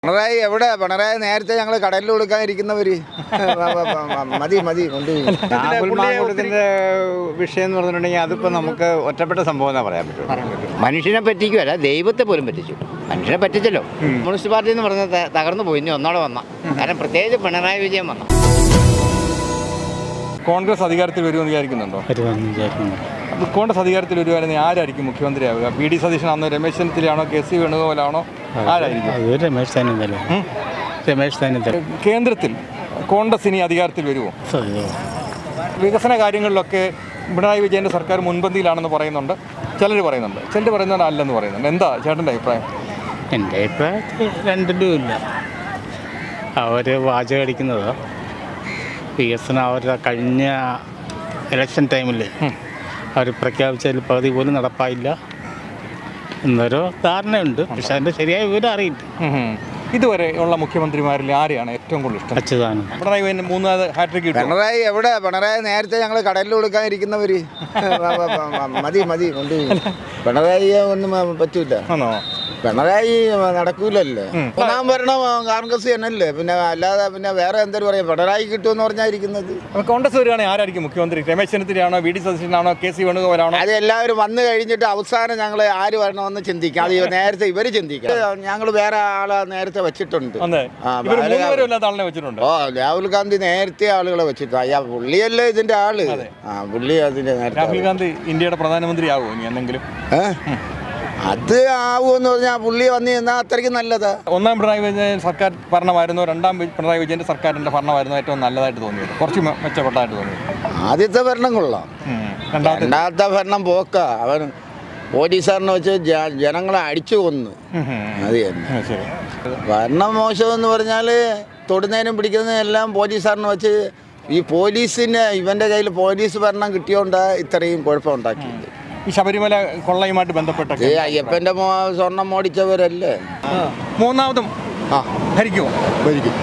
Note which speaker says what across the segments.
Speaker 1: പിണറായി എവിടെ? പിണറായി നേരത്തെ ഞങ്ങൾ കടലിൽ കൊടുക്കാനിരിക്കുന്നവര് മതി മതി
Speaker 2: മാങ്കൂട്ടത്തിന്റെ വിഷയം എന്ന് പറഞ്ഞിട്ടുണ്ടെങ്കിൽ അതിപ്പോ നമുക്ക് ഒറ്റപ്പെട്ട സംഭവം എന്നാ പറയാൻ പറ്റും. മനുഷ്യനെ പറ്റിക്കുമല്ല, ദൈവത്തെ പോലും പറ്റിച്ചു. മനുഷ്യനെ പറ്റിച്ചല്ലോ. കമ്മ്യൂണിസ്റ്റ് പാർട്ടി എന്ന് പറഞ്ഞത് തകർന്നു പോയി. ഇനി ഒന്നോടെ വന്ന കാരണം പ്രത്യേകിച്ച് പിണറായി വിജയൻ വന്ന.
Speaker 3: കോൺഗ്രസ് അധികാരത്തിൽ വരുമെന്ന് വിചാരിക്കുന്നുണ്ടോ? കോൺഗ്രസ് അധികാരത്തിൽ വരുവാണെങ്കിൽ ആരായിരിക്കും മുഖ്യമന്ത്രിയാവുക? പി ഡി സതീശനാണോ, രമേശ് ചെന്നിത്തലയാണോ, കെ സി വേണുഗോപാലാണോ? ആരായിരിക്കും?
Speaker 4: രമേശ് ചെന്നിത്തല.
Speaker 3: കേന്ദ്രത്തിൽ കോൺഗ്രസ് ഇനി അധികാരത്തിൽ വരുമോ? വികസന കാര്യങ്ങളിലൊക്കെ പിണറായി വിജയൻ്റെ സർക്കാർ മുൻപന്തിയിലാണെന്ന് പറയുന്നുണ്ട്. ചിലർ പറയുന്നത് അല്ലെന്ന് പറയുന്നുണ്ട്. എന്താ ചേട്ടൻ്റെ അഭിപ്രായം?
Speaker 4: എൻ്റെ അഭിപ്രായത്തിൽ രണ്ടിലും ഇല്ല. അവർ വാചകം അടിക്കുന്നത് വികസനം അവരുടെ കഴിഞ്ഞ ഇലക്ഷൻ ടൈമിൽ അവർ പ്രഖ്യാപിച്ചതിൽ പകുതി പോലും നടപ്പായില്ല എന്നൊരു ധാരണയുണ്ട്. പക്ഷെ അതിൻ്റെ ശരിയായ വിവരം അറിയില്ല.
Speaker 3: ഇതുവരെ ഉള്ള മുഖ്യമന്ത്രിമാരിൽ ആരെയാണ് ഏറ്റവും കൂടുതൽ ഇഷ്ടം?
Speaker 4: അച്യുതാനന്ദൻ.
Speaker 3: പിണറായി വിജയൻ മൂന്നാമത് ഹാട്രിക് കിട്ടും.
Speaker 1: പിണറായി എവിടെ? പിണറായി നേരത്തെ ഞങ്ങൾ കടലിൽ കൊടുക്കാനിരിക്കുന്നവര് മതി മതി കൊണ്ട് പിണറായി ഒന്നും പറ്റൂല.
Speaker 3: ആണോ?
Speaker 1: പിണറായി നടക്കൂലല്ലേ. ഒന്നാം ഭരണം കോൺഗ്രസ് തന്നെയല്ലേ, പിന്നെ അല്ലാതെ പിന്നെ വേറെ എന്തൊരു പറയാം. പിണറായി കിട്ടുമെന്ന് പറഞ്ഞാൽ ഇരിക്കുന്നത്.
Speaker 3: കോൺഗ്രസ് വരുവാണെങ്കിൽ ആരായിരിക്കും മുഖ്യമന്ത്രി? രമേശ് ചെന്നിത്തലയാണോ, വി ഡി സതീശനാണോ, കെ സി വേണുഗോപാലാണോ?
Speaker 1: അത് എല്ലാവരും വന്ന് കഴിഞ്ഞിട്ട് അവസാനം ഞങ്ങൾ ആര് വരണമെന്ന് ചിന്തിക്കാം. അത് നേരത്തെ ഇവര് ചിന്തിക്കാം. ഞങ്ങൾ വേറെ ആളെ നേരത്തെ വെച്ചിട്ടുണ്ട്.
Speaker 3: വെച്ചിട്ടുണ്ട്.
Speaker 1: ഓ, രാഹുൽ ഗാന്ധി നേരത്തെ ആളുകളെ വെച്ചിട്ടുണ്ട്. അയ്യാ, പുള്ളിയല്ലേ ഇതിന്റെ ആള്. പുള്ളി അതിന്റെ
Speaker 3: രാഹുൽ ഗാന്ധി ഇന്ത്യയുടെ പ്രധാനമന്ത്രി ആകുമോ ഇനി എന്തെങ്കിലും?
Speaker 1: അത് ആവുമെന്ന് പറഞ്ഞാൽ പുള്ളി വന്നു നിന്നാൽ അത്രയ്ക്ക് നല്ലതാ.
Speaker 3: ഒന്നാം പിണറായി വിജയൻ സർക്കാർ ഭരണമായിരുന്നു, രണ്ടാം പിണറായി വിജയന്റെ സർക്കാരിന്റെ ഭരണമായിരുന്നു ഏറ്റവും നല്ലതായിട്ട് തോന്നിയത്, കുറച്ച് മെച്ചപ്പെട്ടതായിട്ട് തോന്നിയത്?
Speaker 1: ആദ്യത്തെ ഭരണം കൊള്ളാം. രണ്ടാമത്തെ ഭരണം പോക്ക. അവൻ പോലീസുകാരനെ വെച്ച് ജനങ്ങളെ അടിച്ചു കൊന്നു. അത് തന്നെ ഭരണം. മോശമെന്ന് പറഞ്ഞാൽ തൊടുന്നതിനും പിടിക്കുന്നതിനും എല്ലാം പോലീസുകാരനെ വെച്ച് ഈ പോലീസിന് ഇവന്റെ കയ്യിൽ പോലീസ് ഭരണം കിട്ടിയോണ്ടാ ഇത്രയും കുഴപ്പമുണ്ടാക്കിയത്.
Speaker 3: ഈ ശബരിമല കൊള്ളയുമായിട്ട് ബന്ധപ്പെട്ട
Speaker 1: അയ്യപ്പന്റെ സ്വർണം മോടിച്ചവരല്ലേ
Speaker 3: മൂന്നാമതും ഭരിക്കുമോ?
Speaker 5: ഭരിക്കും.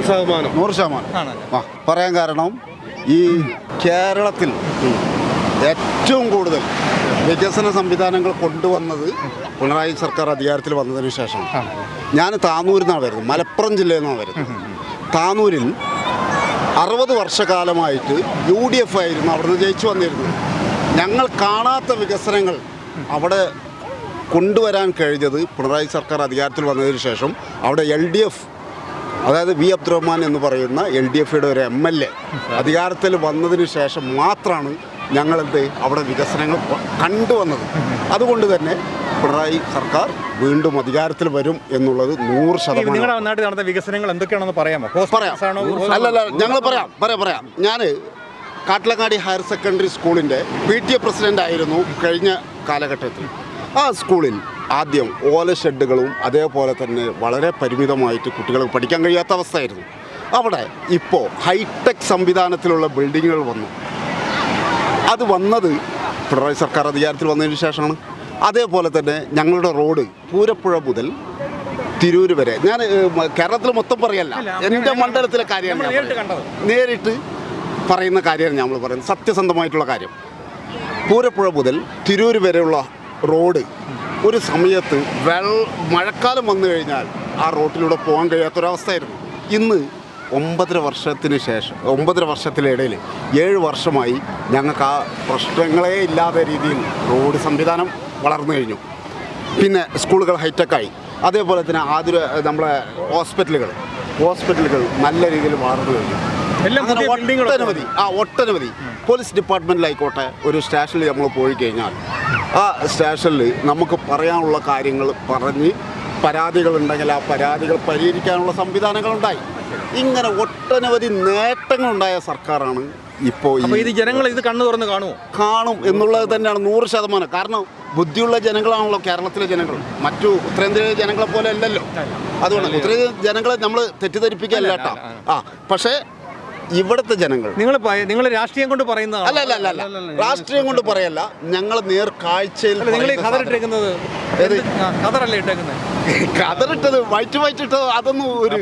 Speaker 5: 100% പറയാൻ കാരണം ഈ കേരളത്തിൽ ഏറ്റവും കൂടുതൽ വികസന സംവിധാനങ്ങൾ കൊണ്ടുവന്നത് പിണറായി സർക്കാർ അധികാരത്തിൽ വന്നതിന് ശേഷം. ഞാൻ താനൂരിൽ നിന്നാണ് വരുന്നത്, മലപ്പുറം ജില്ലയിൽ നിന്നാണ് വരുന്നത്. താനൂരിൽ 60 വർഷക്കാലമായിട്ട് UDF ആയിരുന്നു അവിടുന്ന് ജയിച്ചു വന്നിരുന്നത്. ഞങ്ങൾ കാണാത്ത വികസനങ്ങൾ അവിടെ കൊണ്ടുവരാൻ കഴിഞ്ഞത് പിണറായി സർക്കാർ അധികാരത്തിൽ വന്നതിന് ശേഷം. അവിടെ LDF, അതായത് വി അബ്ദുറഹ്മാൻ എന്ന് പറയുന്ന LDFയുടെ ഒരു MLA അധികാരത്തിൽ വന്നതിന് ശേഷം മാത്രമാണ് ഞങ്ങളെന്ത് അവിടെ വികസനങ്ങൾ കണ്ടുവന്നത്. അതുകൊണ്ട് തന്നെ പിണറായി സർക്കാർ വീണ്ടും അധികാരത്തിൽ വരും എന്നുള്ളത് 100%.
Speaker 3: നിങ്ങളുടെ നാട്ടിൽ നടന്ന വികസനങ്ങൾ എന്തൊക്കെയാണെന്ന് പറയാമോ?
Speaker 5: അല്ലല്ല, ഞങ്ങൾ പറയാം. ഞാൻ കാട്ടിലങ്ങാടി ഹയർ സെക്കൻഡറി സ്കൂളിൻ്റെ PTA പ്രസിഡൻ്റ് ആയിരുന്നു കഴിഞ്ഞ കാലഘട്ടത്തിൽ. ആ സ്കൂളിൽ ആദ്യം ഓല ഷെഡുകളും അതേപോലെ തന്നെ വളരെ പരിമിതമായിട്ട് കുട്ടികൾക്ക് പഠിക്കാൻ കഴിയാത്ത അവസ്ഥയായിരുന്നു. അവിടെ ഇപ്പോൾ ഹൈടെക് സംവിധാനത്തിലുള്ള ബിൽഡിങ്ങുകൾ വന്നു. അത് വന്നത് പിണറായി സർക്കാർ അധികാരത്തിൽ വന്നതിന് ശേഷമാണ്. അതേപോലെ തന്നെ ഞങ്ങളുടെ റോഡ് പൂരപ്പുഴ മുതൽ തിരൂര് വരെ, ഞാൻ കേരളത്തിൽ മൊത്തം പറയല്ല, എൻ്റെ മണ്ഡലത്തിലെ കാര്യമാണ് നേരിട്ട് പറയുന്ന കാര്യമാണ് നമ്മൾ പറയുന്നത്, സത്യസന്ധമായിട്ടുള്ള കാര്യം. പൂരപ്പുഴ മുതൽ തിരൂർ വരെയുള്ള റോഡ് ഒരു സമയത്ത് മഴക്കാലം വന്നു കഴിഞ്ഞാൽ ആ റോട്ടിലൂടെ പോകാൻ കഴിയാത്തൊരവസ്ഥയായിരുന്നു. ഇന്ന് 9 വർഷത്തിനിടയിൽ 7 വർഷമായി ഞങ്ങൾക്ക് ആ പ്രശ്നങ്ങളേ ഇല്ലാത്ത രീതിയിൽ റോഡ് സംവിധാനം വളർന്നു കഴിഞ്ഞു. പിന്നെ സ്കൂളുകൾ ഹൈടെക്കായി. അതേപോലെ തന്നെ നമ്മളെ ഹോസ്പിറ്റലുകൾ നല്ല രീതിയിൽ വളർന്നു കഴിഞ്ഞു. ഒട്ടനവധി പോലീസ് ഡിപ്പാർട്ട്മെൻറ്റിലായിക്കോട്ടെ, ഒരു സ്റ്റേഷനിൽ നമ്മൾ പോയി കഴിഞ്ഞാൽ ആ സ്റ്റേഷനിൽ നമുക്ക് പറയാനുള്ള കാര്യങ്ങൾ പറഞ്ഞ് പരാതികളുണ്ടെങ്കിൽ ആ പരാതികൾ പരിഹരിക്കാനുള്ള സംവിധാനങ്ങളുണ്ടായി. ഇങ്ങനെ ഒട്ടനവധി നേട്ടങ്ങളുണ്ടായ സർക്കാരാണ് ഇപ്പോൾ.
Speaker 3: ഇത് ജനങ്ങൾ ഇത് കണ്ണു തുറന്ന്
Speaker 5: കാണും എന്നുള്ളത് തന്നെയാണ് 100%. കാരണം ബുദ്ധിയുള്ള ജനങ്ങളാണല്ലോ കേരളത്തിലെ ജനങ്ങൾ. മറ്റു ഉത്തരേന്ത്യയിലെ ജനങ്ങളെ പോലെ അല്ലല്ലോ. അതുകൊണ്ട് ഉത്തരേന്ത്യ ജനങ്ങളെ നമ്മൾ തെറ്റിദ്ധരിപ്പിക്കുകയല്ല കേട്ടോ. പക്ഷേ ഇവിടുത്തെ ജനങ്ങൾ,
Speaker 3: നിങ്ങൾ രാഷ്ട്രീയം കൊണ്ട് പറയുന്നത്
Speaker 5: അല്ല, രാഷ്ട്രീയം കൊണ്ട് പറയല്ല, ഞങ്ങൾ നേർക്കാഴ്ചയിൽ കതറിട്ടത് വൈറ്റിട്ടത് അതൊന്നും ഒരു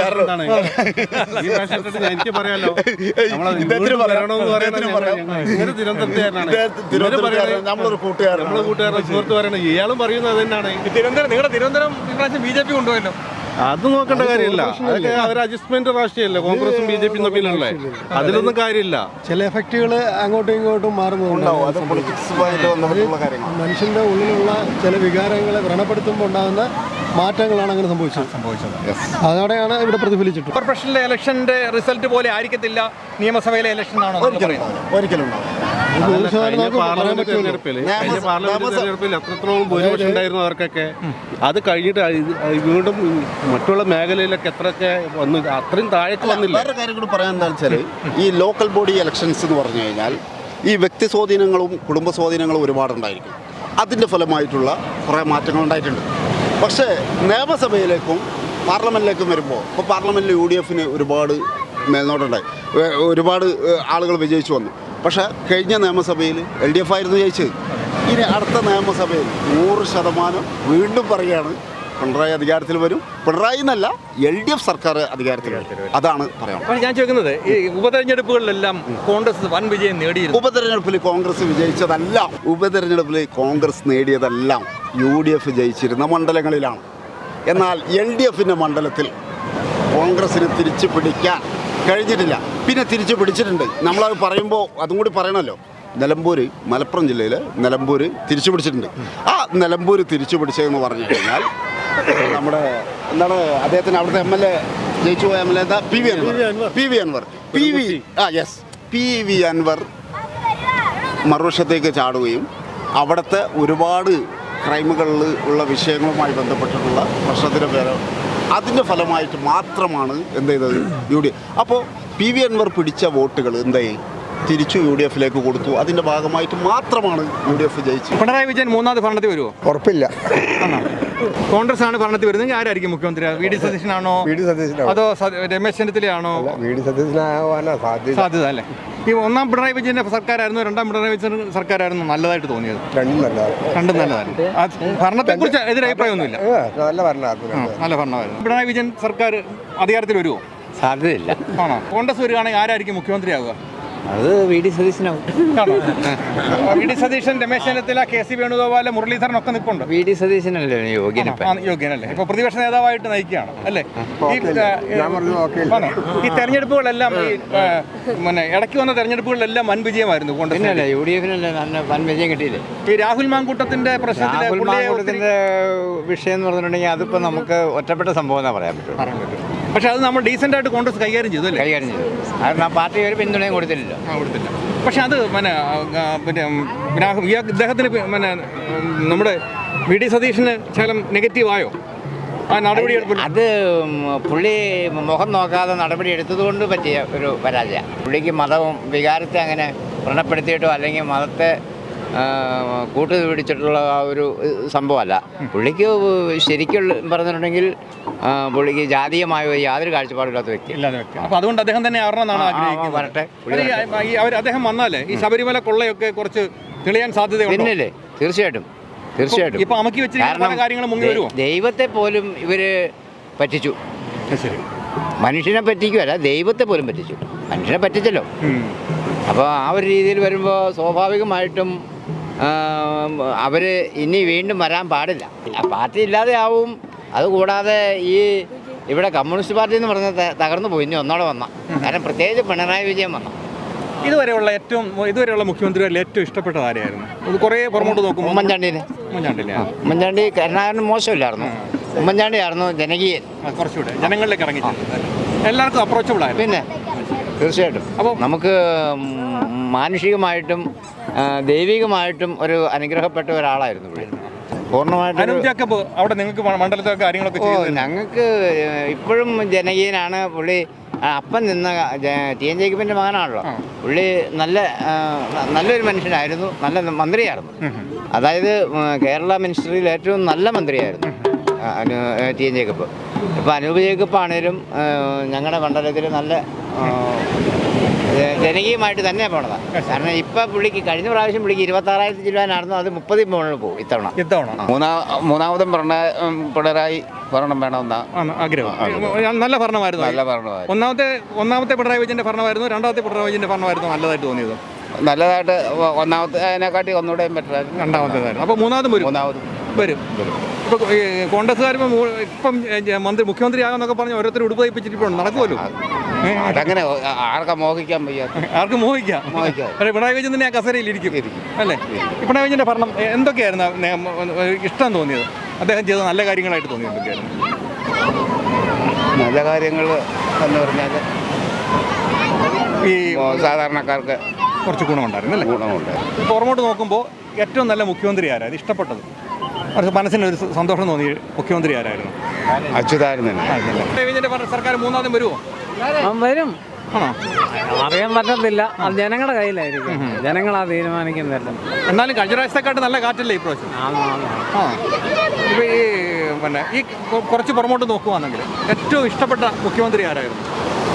Speaker 5: നമ്മളൊരു കൂട്ടുകാരൻ
Speaker 3: ഇയാളും പറയുന്നത് തന്നെയാണ്. നിങ്ങളുടെ തിരുവനന്തപുരം BJP കൊണ്ടുപോയല്ലോ.
Speaker 6: അത് നോക്കേണ്ട കാര്യമില്ല. അതൊക്കെ അവർ അഡ്ജസ്റ്റ്മെന്റ് രാഷ്ട്രീയമല്ലേ, കോൺഗ്രസും BJP തമ്മിലല്ലേ, അതിലൊന്നും കാര്യമില്ല.
Speaker 7: ചില എഫക്റ്റുകൾ അങ്ങോട്ടും ഇങ്ങോട്ടും മാറുന്നുണ്ടാവും. മനുഷ്യന്റെ ഉള്ളിലുള്ള ചില വികാരങ്ങളെ വ്രണപ്പെടുത്തുമ്പോൾ ഉണ്ടാകുന്ന മാറ്റങ്ങളാണ് അങ്ങനെ സംഭവിച്ചത്. അതോടെയാണ് ഇവിടെ പ്രതിഫലിച്ചിട്ട്.
Speaker 3: കോർപ്പറേഷനിലെ ഇലക്ഷന്റെ റിസൾട്ട് പോലെ ആയിരിക്കത്തില്ല നിയമസഭയിലെ ഇലക്ഷൻ ആണോ
Speaker 5: ഒരിക്കലും
Speaker 6: പാർലമെന്റ് തെരഞ്ഞെടുപ്പിൽ എത്രത്തോളം ഭൂരിപക്ഷം ഉണ്ടായിരുന്നു അവർക്കൊക്കെ, അത് കഴിഞ്ഞിട്ട് വീണ്ടും മറ്റുള്ള മേഖലയിലൊക്കെ എത്രയൊക്കെ വന്നു, അത്രയും താഴേക്ക് വന്നില്ല.
Speaker 5: വേറെ കാര്യം കൂടി പറയാൻ എന്താ വെച്ചാൽ, ഈ ലോക്കൽ ബോഡി ഇലക്ഷൻസ് എന്ന് പറഞ്ഞു കഴിഞ്ഞാൽ ഈ വ്യക്തി സ്വാധീനങ്ങളും കുടുംബ സ്വാധീനങ്ങളും ഒരുപാടുണ്ടായിരിക്കും. അതിൻ്റെ ഫലമായിട്ടുള്ള കുറേ മാറ്റങ്ങൾ ഉണ്ടായിട്ടുണ്ട്. പക്ഷേ നിയമസഭയിലേക്കും പാർലമെൻറ്റിലേക്കും വരുമ്പോൾ, ഇപ്പോൾ പാർലമെൻറ്റിൽ UDF ഒരുപാട് മേൽനോട്ടുണ്ടായി, ഒരുപാട് ആളുകൾ വിജയിച്ചു വന്നു. പക്ഷേ കഴിഞ്ഞ നിയമസഭയിൽ LDF ആയിരുന്നു ജയിച്ചത്. ഇനി അടുത്ത നിയമസഭയിൽ 100% വീണ്ടും പറയുകയാണ് പിണറായി അധികാരത്തിൽ വരും. പിണറായി എന്നല്ല, LDF സർക്കാർ അധികാരത്തിൽ വരും. അതാണ് പറയാം.
Speaker 3: ഞാൻ ചോദിക്കുന്നത്, ഈ ഉപതെരഞ്ഞെടുപ്പുകളിലെല്ലാം കോൺഗ്രസ് വൻ വിജയം നേടിയിരുന്നു.
Speaker 5: ഉപതെരഞ്ഞെടുപ്പിൽ കോൺഗ്രസ് വിജയിച്ചതെല്ലാം, ഉപതെരഞ്ഞെടുപ്പിൽ കോൺഗ്രസ് നേടിയതെല്ലാം UDF ജയിച്ചിരുന്ന മണ്ഡലങ്ങളിലാണ്. എന്നാൽ LDFിൻ്റെ മണ്ഡലത്തിൽ കോൺഗ്രസിന് തിരിച്ചു പിടിക്കാൻ കഴിഞ്ഞിട്ടില്ല. പിന്നെ തിരിച്ചു പിടിച്ചിട്ടുണ്ട്. നമ്മളത് പറയുമ്പോൾ അതും കൂടി പറയണമല്ലോ. നിലമ്പൂർ, മലപ്പുറം ജില്ലയിൽ നിലമ്പൂർ തിരിച്ചു പിടിച്ചിട്ടുണ്ട്. ആ നിലമ്പൂർ തിരിച്ചു പിടിച്ചതെന്ന് പറഞ്ഞു കഴിഞ്ഞാൽ നമ്മുടെ എന്താണ് അദ്ദേഹത്തിന് അവിടുത്തെ MLA ജയിച്ചു പോയ MLA എന്താ, PV അൻവർ മറുവശത്തേക്ക് ചാടുകയും അവിടുത്തെ ഒരുപാട് ക്രൈമുകളിൽ ഉള്ള വിഷയങ്ങളുമായി ബന്ധപ്പെട്ടിട്ടുള്ള പ്രശ്നത്തിൻ്റെ പേര് അതിൻ്റെ ഫലമായിട്ട് മാത്രമാണ് എന്ത് ചെയ്തത് UDF. അപ്പോൾ PV അൻവർ പിടിച്ച വോട്ടുകൾ എന്തായി തിരിച്ചു UDFിലേക്ക് കൊടുത്തു. അതിൻ്റെ ഭാഗമായിട്ട് മാത്രമാണ് UDF ജയിച്ചത്.
Speaker 3: പിണറായി വിജയൻ മൂന്നാമത് ഭരണത്തിൽ വരുമോ?
Speaker 7: ഉറപ്പില്ല.
Speaker 3: കോൺഗ്രസ് ആണ് ഭരണത്തിൽ വരുന്നത്. ആരായിരിക്കും മുഖ്യമന്ത്രി? VD സതീശനാണോ അതോ രമേശ് ചെന്നിത്തലയാണോ?
Speaker 7: VD സതീശനാവാനാ
Speaker 3: സാധ്യത അല്ലേ? ഈ ഒന്നാം പിണറായി വിജയന്റെ സർക്കാരായിരുന്നു, രണ്ടാം പിണറായി വിജയൻ സർക്കാരായിരുന്നു നല്ലതായിട്ട് തോന്നിയത്? രണ്ടും നല്ലതായിരുന്നു. ഭരണത്തെ കുറിച്ച് എതിരഭിപ്രായമൊന്നുമില്ല.
Speaker 7: നല്ല ഭരണമായിരുന്നു.
Speaker 3: നല്ല ഭരണമായിരുന്നു. പിണറായി വിജയൻ സർക്കാർ അധികാരത്തിൽ വരുമോ?
Speaker 2: സാധ്യതയില്ല.
Speaker 3: ആണോ? കോൺഗ്രസ് വരികയാണെങ്കിൽ ആരായിരിക്കും മുഖ്യമന്ത്രിയാവുക?
Speaker 2: അത് VD സതീശനാവും.
Speaker 3: VD Satheesan, Ramesh Chennithala, KC Venugopal, Muraleedharan ഒക്കെ നിൽപ്പുണ്ട്.
Speaker 2: VD സതീശനല്ലേ
Speaker 3: യോഗ്യനല്ലേ? ഇപ്പൊ പ്രതിപക്ഷ നേതാവായിട്ട് നയിക്കുകയാണ് അല്ലേ? ഈ തെരഞ്ഞെടുപ്പുകളെല്ലാം ഈ ഇടയ്ക്ക് വന്ന തെരഞ്ഞെടുപ്പുകളിലെല്ലാം വൻ വിജയമായിരുന്നു കോൺഗ്രസ്.
Speaker 2: UDFിനല്ലേ നല്ല വൻ വിജയം കിട്ടിയില്ലേ?
Speaker 3: ഈ രാഹുൽ മാങ്കൂട്ടത്തിന്റെ
Speaker 2: പ്രശ്നത്തിന്റെ വിഷയം എന്ന് പറഞ്ഞിട്ടുണ്ടെങ്കിൽ അതിപ്പോ നമുക്ക് ഒറ്റപ്പെട്ട സംഭവം എന്നാ പറയാൻ പറ്റും.
Speaker 3: പക്ഷെ അത് നമ്മൾ ഡീസൻ്റ് ആയിട്ട് കോൺഗ്രസ് കൈകാര്യം ചെയ്തു അല്ലേ?
Speaker 2: കൈകാര്യം ചെയ്തു. കാരണം പാർട്ടി ഒരു പിന്തുണയും കൊടുത്തില്ല.
Speaker 3: പക്ഷെ അത് ഇദ്ദേഹത്തിന് നമ്മുടെ VD സതീശന് ശകലം നെഗറ്റീവായോ ആ നടപടിയെടുപ്പ്?
Speaker 2: അത് പുള്ളി മുഖം നോക്കാതെ നടപടി എടുത്തതുകൊണ്ട് പറ്റിയ ഒരു പരാജയം. പുള്ളിക്ക് മതവും വികാരത്തെ അങ്ങനെ വ്രണപ്പെടുത്തിയിട്ടോ അല്ലെങ്കിൽ മതത്തെ കൂട്ടു പിടിച്ചിട്ടുള്ള ആ ഒരു സംഭവമല്ല. പുള്ളിക്ക് ശരിക്കും പറഞ്ഞിട്ടുണ്ടെങ്കിൽ പുള്ളിക്ക് ജാതീയമായ യാതൊരു കാഴ്ചപ്പാടില്ലാത്ത വ്യക്തി.
Speaker 3: അപ്പോൾ അതുകൊണ്ട് അദ്ദേഹം തന്നെ ആറണമെന്നാണ് ആഗ്രഹിക്കുന്നത്.
Speaker 2: വരട്ടെ.
Speaker 3: അദ്ദേഹം വന്നാലേ ഈ ശബരിമല കൊള്ളയൊക്കെ കുറച്ച് തെളിയാൻ സാധ്യതയുണ്ട്.
Speaker 2: പിന്നല്ലേ? തീർച്ചയായിട്ടും.
Speaker 3: ഇപ്പൊ അമക്കി വെച്ചിരിക്കുന്ന കാര്യങ്ങൾ മുങ്ങി വരുമോ?
Speaker 2: ദൈവത്തെ പോലും ഇവര് പറ്റിച്ചു. മനുഷ്യനെ പറ്റിക്കുമല്ല, ദൈവത്തെ പോലും പറ്റിച്ചു. മനുഷ്യനെ പറ്റിച്ചല്ലോ. അപ്പോൾ ആ ഒരു രീതിയിൽ വരുമ്പോൾ സ്വാഭാവികമായിട്ടും അവർ ഇനി വീണ്ടും വരാൻ പാടില്ല. പാർട്ടി ഇല്ലാതെ ആവും. അതുകൂടാതെ ഈ ഇവിടെ കമ്മ്യൂണിസ്റ്റ് പാർട്ടി എന്ന് പറഞ്ഞത് തകർന്നു പോയി. ഇനി ഒന്നോടെ വന്ന കാരണം പ്രത്യേകിച്ച് പിണറായി വിജയൻ വന്ന
Speaker 3: ഇതുവരെയുള്ള മുഖ്യമന്ത്രികളിൽ ഏറ്റവും ഇഷ്ടപ്പെട്ടത് ആരെയായിരുന്നു? ഇത് കുറേ പുറമോട്ട് നോക്കും.
Speaker 2: ഉമ്മൻചാണ്ടി കരുണാകരൻ മോശമില്ലായിരുന്നു. ഉമ്മൻചാണ്ടി ആയിരുന്നു ജനകീയൻ.
Speaker 3: കുറച്ചുകൂടെ ജനങ്ങളിലേക്ക് ഇറങ്ങി എല്ലാവർക്കും അപ്രോച്ചബിൾ ആയിരുന്നു. പിന്നെ
Speaker 2: തീർച്ചയായിട്ടും. അപ്പോൾ നമുക്ക് മാനുഷികമായിട്ടും ദൈവികമായിട്ടും ഒരു അനുഗ്രഹപ്പെട്ട ഒരാളായിരുന്നു പുള്ളി. പൂർണ്ണമായിട്ടും
Speaker 3: അവിടെ നിങ്ങൾക്ക് മണ്ഡലത്തിലൊക്കെ കാര്യങ്ങളൊക്കെ
Speaker 2: ഞങ്ങൾക്ക് ഇപ്പോഴും ജനകീയനാണ് പുള്ളി. അപ്പം നിന്ന TN ജേക്കബിൻ്റെ മകനാണല്ലോ പുള്ളി. നല്ലൊരു മനുഷ്യനായിരുന്നു. നല്ല മന്ത്രിയായിരുന്നു. അതായത് കേരള മിനിസ്ട്രിയിൽ ഏറ്റവും നല്ല മന്ത്രിയായിരുന്നു TN ജേക്കബ്. ഇപ്പോൾ അനൂപ് ജേക്കബ് ആണേലും ഞങ്ങളുടെ മണ്ഡലത്തിൽ നല്ല ജനകീയമായിട്ട് തന്നെ പോണതാണ്. കാരണം ഇപ്പം പുള്ളിക്ക് കഴിഞ്ഞ പ്രാവശ്യം പുള്ളിക്ക് 26,000 രൂപയായിരുന്നു. അത് 30 മുകളിൽ പോകും ഇത്തവണ. മൂന്നാമതും പിണറായി ഭരണം വേണമെന്നാണ്
Speaker 3: ആഗ്രഹം. നല്ല ഭരണമായിരുന്നു. ഒന്നാമത്തെ പിണറായി വിജയന്റെ ഭരണമായിരുന്നു, രണ്ടാമത്തെ പിണറായി വിജയന്റെ ഭരണമായിരുന്നു നല്ലതായിട്ട് തോന്നിയത്?
Speaker 2: നല്ലതായിട്ട് ഒന്നാമത്തെ അതിനെക്കാട്ടി ഒന്നുകൂടെയും ബെറ്ററായിരുന്നു.
Speaker 3: രണ്ടാമത്തേതായിരുന്നു. അപ്പോൾ മൂന്നാമതും വരും.
Speaker 2: വരും.
Speaker 3: ഇപ്പോൾ കോൺഗ്രസ്സുകാർ ഇപ്പം മുഖ്യമന്ത്രി ആകാമെന്നൊക്കെ പറഞ്ഞ് ഓരോരുത്തർ ഉടുപ്പ് തയ്പ്പിച്ചിട്ടിപ്പോൾ നടക്കുമല്ലോ.
Speaker 2: അതങ്ങനെ ആർക്കാ മോഹിക്കാൻ വയ്യ.
Speaker 3: ആർക്കും മോഹിക്കാം. പക്ഷേ പിണറായി വിജയൻ തന്നെ ആ കസേരയിൽ ഇരിക്കും അല്ലേ? പിണറായി വിജയൻ്റെ ഭരണം എന്തൊക്കെയായിരുന്നു ഇഷ്ടം തോന്നിയത്? അദ്ദേഹം ചെയ്ത നല്ല കാര്യങ്ങളായിട്ട് തോന്നിയത് എന്തൊക്കെയായിരുന്നു?
Speaker 2: നല്ല കാര്യങ്ങൾ എന്ന് പറഞ്ഞാൽ
Speaker 3: ഈ
Speaker 2: സാധാരണക്കാർക്ക്
Speaker 3: കുറച്ച് ഗുണമുണ്ടായിരുന്നു അല്ലേ?
Speaker 2: ഗുണമുണ്ട്.
Speaker 3: ഇപ്പോൾ പുറമോട്ട് നോക്കുമ്പോൾ ഏറ്റവും നല്ല മുഖ്യമന്ത്രി ആരായിരുന്നു ഇഷ്ടപ്പെട്ടത്? മനസ്സിനൊരു സന്തോഷം തോന്നിയ മുഖ്യമന്ത്രി ആരായിരുന്നു?
Speaker 2: അച്യുതാനന്ദൻ.
Speaker 3: പിണറായി വിജയൻ്റെ സർക്കാർ മൂന്നാമതും വരുമോ?
Speaker 8: വരും. അറിയാൻ പറ്റത്തില്ല. അത് ജനങ്ങളുടെ കയ്യിലായിരിക്കും. ജനങ്ങളാ തീരുമാനിക്കുന്നില്ല.
Speaker 3: എന്നാലും കഴിഞ്ഞ പ്രാവശ്യത്തെക്കാട്ട് നല്ല കാറ്റല്ലേ ഇപ്രാവശ്യം? ഇപ്പോൾ ഈ കുറച്ച് പുറമോട്ട് നോക്കുവാണെങ്കിൽ ഏറ്റവും ഇഷ്ടപ്പെട്ട മുഖ്യമന്ത്രി ആരായിരുന്നു?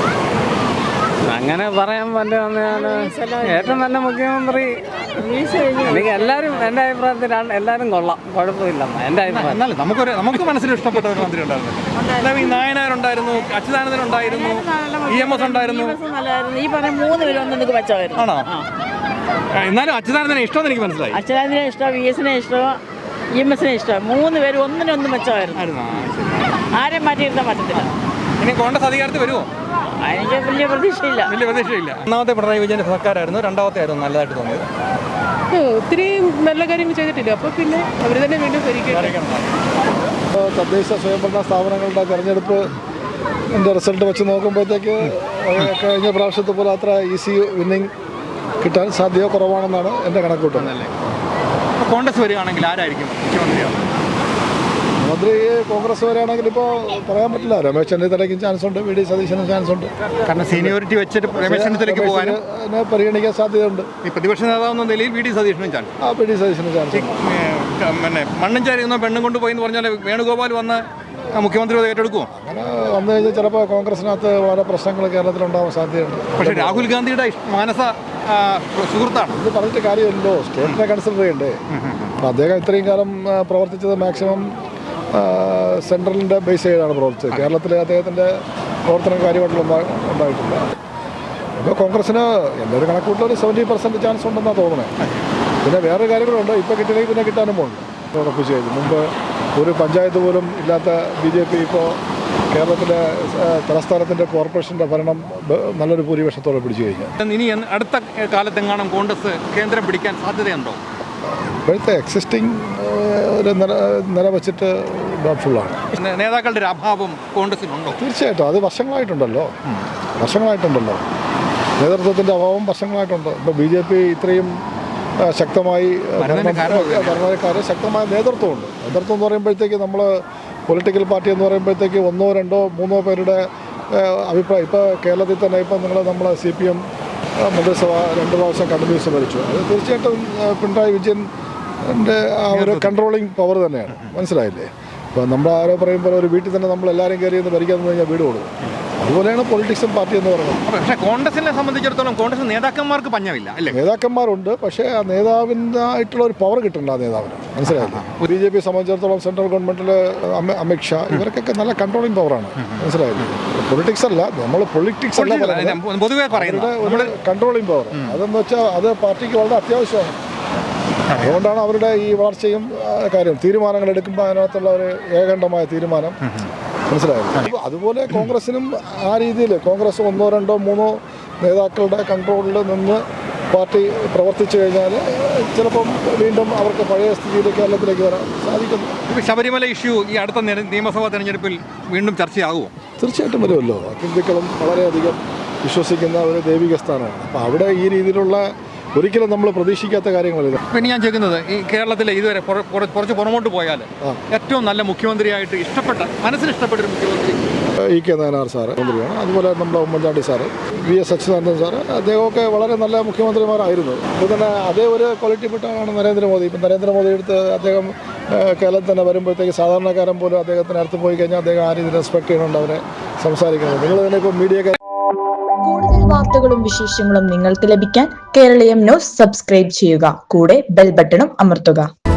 Speaker 8: അങ്ങനെ പറയാൻ പറ്റുന്ന ഏറ്റവും നല്ല മുഖ്യമന്ത്രി എനിക്ക് എല്ലാവരും എൻ്റെ അഭിപ്രായത്തിൽ എല്ലാവരും കൊള്ളാം, കുഴപ്പമില്ല എൻ്റെ അഭിപ്രായം.
Speaker 3: എന്നാലും നമുക്ക് മനസ്സിൽ ഇഷ്ടപ്പെട്ട ഒരു മന്ത്രി ഉണ്ടായിരുന്നു. ഈ നായനാരുണ്ടായിരുന്നു, അച്യുതാനന്ദൻ ഉണ്ടായിരുന്നു, EMS ഉണ്ടായിരുന്നു.
Speaker 9: ഈ പറഞ്ഞ 3 പേരും നിങ്ങൾക്ക് മെച്ചമായിരുന്നു.
Speaker 3: ആണോ? എന്നാലും അച്യുതാനന്ദനെ ഇഷ്ടമെന്ന് എനിക്ക് മനസ്സിലായി.
Speaker 9: അച്യുതാനന്ദനെ ഇഷ്ടം, VS-നെ ഇഷ്ടം, EMS-നെ ഇഷ്ടം. 3 പേരും ഒന്നിനൊന്നും മെച്ചമായിരുന്നു. ആരെയും മാറ്റിയിരുത്താൻ പറ്റത്തില്ല.
Speaker 3: ഇനി കോൺഗ്രസ് അധികാരത്തിൽ വരുമോ?
Speaker 9: എനിക്ക് വലിയ പ്രതീക്ഷയില്ല.
Speaker 3: ഒന്നാമത്തെ പിണറായി വിജയൻ്റെ സർക്കാരായിരുന്നു, രണ്ടാമത്തെ ആയിരുന്നു നല്ലതായിട്ട് തോന്നിയത്?
Speaker 10: ഒത്തിരി നല്ല കാര്യങ്ങൾ ചെയ്തിട്ടില്ല. അപ്പോൾ പിന്നെ അവർ തന്നെ വീണ്ടും ഭരിക്കണം.
Speaker 7: തദ്ദേശ സ്വയംഭരണ സ്ഥാപനങ്ങളുടെ തെരഞ്ഞെടുപ്പ് റിസൾട്ട് വെച്ച് നോക്കുമ്പോഴത്തേക്ക് കഴിഞ്ഞ പ്രാവശ്യത്തെ പോലെ അത്ര ഈസി വിന്നിങ് കിട്ടാൻ സാധ്യത കുറവാണെന്നാണ് എൻ്റെ കണക്കൂട്ടുന്നത്.
Speaker 3: കോൺഗ്രസ് വരികയാണെങ്കിൽ ആരായിരിക്കും മുഖ്യമന്ത്രിയാവും?
Speaker 7: മന്ത്രി കോൺഗ്രസ് വരെയാണെങ്കിൽ ഇപ്പോൾ പറയാൻ പറ്റില്ല. രമേശ് ചെന്നിത്തലയ്ക്കും ചാൻസ് ഉണ്ട്, VD സതീശനും ചാൻസ് ഉണ്ട്.
Speaker 3: കാരണം സീനിയോറിറ്റി വെച്ചിട്ട് രമേശ് ചെന്നിത്തലയ്ക്ക് പോകാനും
Speaker 7: പരിഗണിക്കാൻ സാധ്യതയുണ്ട്.
Speaker 3: ഈ പ്രതിപക്ഷ നേതാവെന്ന നിലയിൽ VD സതീശനും ചാൻസ്.
Speaker 7: VD സതീശനും ചാൻസ്.
Speaker 3: പിന്നെ മണ്ണും ചാരിയുന്ന പെണ്ണും കൊണ്ടുപോയി എന്ന് പറഞ്ഞാൽ വേണുഗോപാൽ വന്ന് മുഖ്യമന്ത്രി ഏറ്റെടുക്കുമോ?
Speaker 7: അങ്ങനെ വന്നു കഴിഞ്ഞാൽ ചിലപ്പോൾ കോൺഗ്രസിനകത്ത് വളരെ പ്രശ്നങ്ങൾ കേരളത്തിലുണ്ടാവാൻ സാധ്യതയുണ്ട്.
Speaker 3: പക്ഷേ രാഹുൽ ഗാന്ധിയുടെ മാനസ സുഹൃത്താണ്.
Speaker 7: ഇത് പറഞ്ഞിട്ട് കാര്യമില്ലല്ലോ, സ്റ്റേറ്റിനെ കൺസിഡർ ചെയ്യണ്ടേ. അപ്പം അദ്ദേഹം ഇത്രയും കാലം പ്രവർത്തിച്ചത് മാക്സിമം സെൻട്രലിൻ്റെ ബേസ് ചെയ്താണ് പ്രവർത്തിച്ചത്. കേരളത്തിൽ അദ്ദേഹത്തിൻ്റെ പ്രവർത്തനം കാര്യമായിട്ടുള്ള ഉണ്ടായിട്ടില്ല. ഇപ്പോൾ കോൺഗ്രസ്സിന് എൻ്റെ ഒരു കണക്കൂട്ടിൽ ഒരു 70% ചാൻസ് ഉണ്ടെന്നാണ് തോന്നുന്നത്. പിന്നെ വേറെ കാര്യങ്ങളുണ്ട്. ഇപ്പോൾ കിട്ടിയില്ലെങ്കിൽ പിന്നെ കിട്ടാനും പോകുന്നുണ്ട്. ഉറപ്പിച്ച് കഴിഞ്ഞു. മുമ്പ് ഒരു പഞ്ചായത്ത് പോലും ഇല്ലാത്ത BJP ഇപ്പോൾ കേരളത്തിലെ തലസ്ഥാനത്തിൻ്റെ കോർപ്പറേഷൻ്റെ ഭരണം നല്ലൊരു ഭൂരിപക്ഷത്തോടെ പിടിച്ചു കഴിഞ്ഞു.
Speaker 3: ഇനി അടുത്ത കാലത്തെങ്ങാനും കോൺഗ്രസ് കേന്ദ്രം പിടിക്കാൻ സാധ്യതയുണ്ടോ?
Speaker 7: ഇപ്പോഴത്തെ എക്സിസ്റ്റിംഗ് ഒരു നില വെച്ചിട്ട് ഡൗട്ട്ഫുള്ളാണ്.
Speaker 3: നേതാക്കളുടെ ഒരു അഭാവം കോൺഗ്രസിനുണ്ടോ?
Speaker 7: തീർച്ചയായിട്ടും അത് വർഷങ്ങളായിട്ടുണ്ടല്ലോ. നേതൃത്വത്തിൻ്റെ അഭാവം വർഷങ്ങളായിട്ടുണ്ട്. ഇപ്പോൾ BJP ഇത്രയും ശക്തമായി ഭരണക്കാർ ശക്തമായ നേതൃത്വമുണ്ട്. നേതൃത്വം എന്ന് പറയുമ്പോഴത്തേക്ക് നമ്മൾ പൊളിറ്റിക്കൽ പാർട്ടി എന്ന് പറയുമ്പോഴത്തേക്ക് 1, 2, 3 പേരുടെ അഭിപ്രായം. ഇപ്പോൾ കേരളത്തിൽ തന്നെ ഇപ്പോൾ നമ്മൾ CPM മന്ത്രിസഭ 2 പ്രാവശ്യം കണ്ടിന്യൂസ് ഭരിച്ചു. അത് തീർച്ചയായിട്ടും പിണറായി വിജയൻ്റെ ആ ഒരു കൺട്രോളിങ് പവർ തന്നെയാണ്. മനസ്സിലായില്ലേ? ഇപ്പോൾ നമ്മൾ ആരോ പറയുമ്പോൾ ഒരു വീട്ടിൽ തന്നെ നമ്മൾ എല്ലാവരും കയറി എന്ന് ഭരിക്കാൻ കഴിഞ്ഞാൽ വീട് കൊടുക്കും. അതുപോലെയാണ് പൊളിറ്റിക്സും പാർട്ടി എന്ന് പറയുന്നത്.
Speaker 3: പക്ഷേ കോൺഗ്രസിനെ സംബന്ധിച്ചിടത്തോളം കോൺഗ്രസ് നേതാക്കന്മാർക്ക് പഞ്ഞമില്ല അല്ലേ?
Speaker 7: നേതാക്കന്മാരുണ്ട്, പക്ഷേ ആ നേതാവിനായിട്ടുള്ള ഒരു പവർ കിട്ടുന്നുണ്ട് ആ നേതാവിന്. മനസ്സിലായില്ലേ? BJP സംബന്ധിച്ചിടത്തോളം സെൻട്രൽ ഗവൺമെൻറ്റിൽ അമിത്ഷാ ഇവർക്കൊക്കെ നല്ല കൺട്രോളിങ് പവറാണ്. മനസ്സിലായില്ലേ? പൊളിറ്റിക്സ് അല്ല, നമ്മൾ പൊളിറ്റിക്സ് അല്ല,
Speaker 3: പൊതുവെ പറയുന്നത്
Speaker 7: കൺട്രോളിങ് പവർ. അതെന്ന് വെച്ചാൽ അത് പാർട്ടിക്ക് വളരെ അത്യാവശ്യമാണ്. അതുകൊണ്ടാണ് അവരുടെ ഈ വളർച്ചയും കാര്യം തീരുമാനങ്ങൾ എടുക്കുമ്പോൾ അതിനകത്തുള്ള ഒരു ഏകണ്ഠമായ തീരുമാനം. മനസ്സിലായത്? അതുപോലെ കോൺഗ്രസിനും ആ രീതിയിൽ കോൺഗ്രസ് 1, 2, 3 നേതാക്കളുടെ കൺട്രോളിൽ നിന്ന് പാർട്ടി പ്രവർത്തിച്ചു കഴിഞ്ഞാൽ ചിലപ്പം വീണ്ടും അവർക്ക് പഴയ സ്ഥിതിയിലേക്ക് കേരളത്തിലേക്ക് വരാൻ സാധിക്കുന്നു.
Speaker 3: ഇപ്പോൾ ശബരിമല ഇഷ്യൂ ഈ അടുത്ത നിയമസഭാ തെരഞ്ഞെടുപ്പിൽ വീണ്ടും ചർച്ചയാകുമോ?
Speaker 7: തീർച്ചയായിട്ടും വരുമല്ലോ. ഹിന്ദുക്കളും വളരെയധികം വിശ്വസിക്കുന്ന ഒരു ദൈവിക സ്ഥാനമാണ്. അപ്പോൾ അവിടെ ഈ രീതിയിലുള്ള ഒരിക്കലും നമ്മൾ പ്രതീക്ഷിക്കാത്ത കാര്യങ്ങളില്ല.
Speaker 3: പിന്നെ ഞാൻ ചോദിക്കുന്നത്, ഈ കേരളത്തിലെ ഇതുവരെ കുറച്ച് പുറമോട്ട് പോയാൽ ഏറ്റവും നല്ല മുഖ്യമന്ത്രിയായിട്ട് മനസ്സിന് ഇഷ്ടപ്പെട്ട ഒരു മുഖ്യമന്ത്രി
Speaker 7: E.K. നായനാർ സാറ് മന്ത്രിയാണ്. അതുപോലെ നമ്മുടെ Oommen Chandy sir, VS Achuthanandan sir, അദ്ദേഹമൊക്കെ വളരെ നല്ല മുഖ്യമന്ത്രിമാരായിരുന്നു. ഇപ്പോൾ തന്നെ അതേ ഒരു ക്വാളിറ്റിപ്പെട്ടാണ് നരേന്ദ്രമോദി. ഇപ്പം നരേന്ദ്രമോദി എടുത്ത് അദ്ദേഹം കേരളത്തിൽ തന്നെ വരുമ്പോഴത്തേക്ക് സാധാരണക്കാരൻ പോലും അദ്ദേഹത്തിന് അടുത്ത് പോയി കഴിഞ്ഞാൽ അദ്ദേഹം ആ രീതിയിൽ റെസ്പെക്ട് ചെയ്യുന്നുണ്ട് അവരെ സംസാരിക്കുന്നത്. നിങ്ങൾ തന്നെ ഇപ്പോൾ മീഡിയ
Speaker 11: കൂടുതൽ വാർത്തകളും വിശേഷങ്ങളും നിങ്ങൾക്ക് ലഭിക്കാൻ കേരളീയം ന്യൂസ് സബ്സ്ക്രൈബ് ചെയ്യുക. കൂടെ ബെൽ ബട്ടണും അമർത്തുക.